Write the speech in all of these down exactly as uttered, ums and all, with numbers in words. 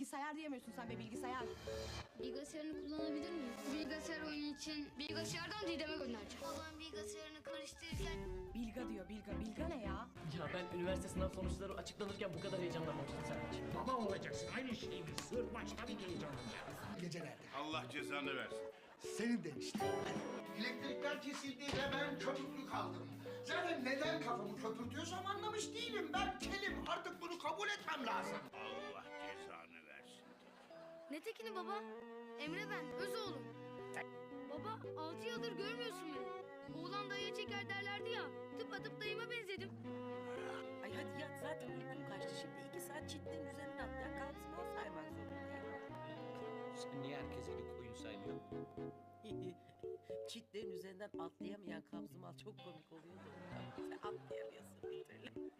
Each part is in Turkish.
bilgisayar diyemiyorsun sen be, bilgisayar. Bilgisayarını kullanabilir miyim? Bilgisayar oyunu için bilgisayardan Didem'e göndereceğim. Babam bilgisayarını karıştırırken... Bilga diyor, Bilga. Bilga ne ya? Ya ben üniversite sınav sonuçları açıklanırken bu kadar heyecanlanmamıştım Sertaç. Baba olacaksın aynı şey mi? Sır başta bir heyecanlanacak. Gecelerde. Allah cezanı versin. Senin de işte. Elektrikler kesildi ve ben köpüklü kaldım. Zaten neden kafamı köpürtüyorsam anlamış değilim. Ben kelim. Artık bunu kabul etmem lazım. Allah cezanı versin. Ne tekini baba? Emre ben, öz oğlum. Baba, altı yıldır görmüyorsun beni. Oğlan dayıya çeker derlerdi ya. Tıpatıp dayıma benzedim. Ay hadi yat, zaten uykum kaçtı şimdi. iki saat çitlerin üzerinden atlayan kalksın, o saymak zorundayım. Sen niye herkes eli koyun saymıyorsun? Çitlerin üzerinden atlayamayan kabzımal çok komik oluyordu. Sen atlayamıyorsun bir türlü.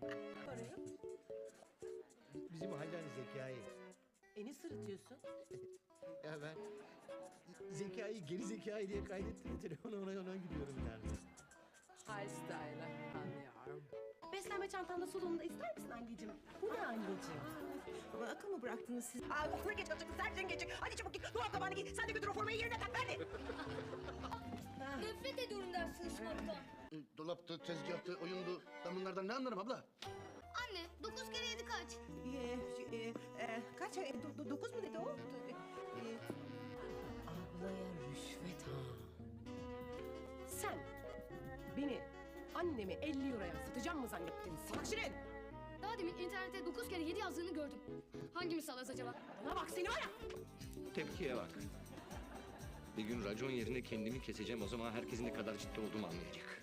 Bizim Haydar Zekai. E ne sırıtıyorsun? Ya ben Zekai geri Zekai diye kaydettim telefonu, ona ona gidiyorum yani. High style, anlıyorum. Beslenme çantanda solunda ister misin anneciğim? Bu ne anneciğim? Ama akıl mı bıraktınız siz? Aa, okula geç alacaksın, servisten geçecek. Hadi çabuk git, dolap kapağını giy. Sen de götür o formayı yerine tak, hadi. Nefret ediyorum ders çalışmaktan. Dolaptı, tezgahtı, oyundu. Ben bunlardan ne anlarım abla? Anne, dokuz kere yedi kaç? Ee, e, e, kaç? E, do, do, dokuz mu dedi o? E, ablaya rüşvet ha. Sen beni, annemi elli euroya satacağım mı zannettin salak şirin? Daha demin internette dokuz kere yedi yazdığını gördüm. Hangimiz salaz acaba? Bana bak seni var ya. Tepkiye bak. Bir gün racon yerine kendimi keseceğim, o zaman herkesin ne kadar ciddi olduğumu anlayacak.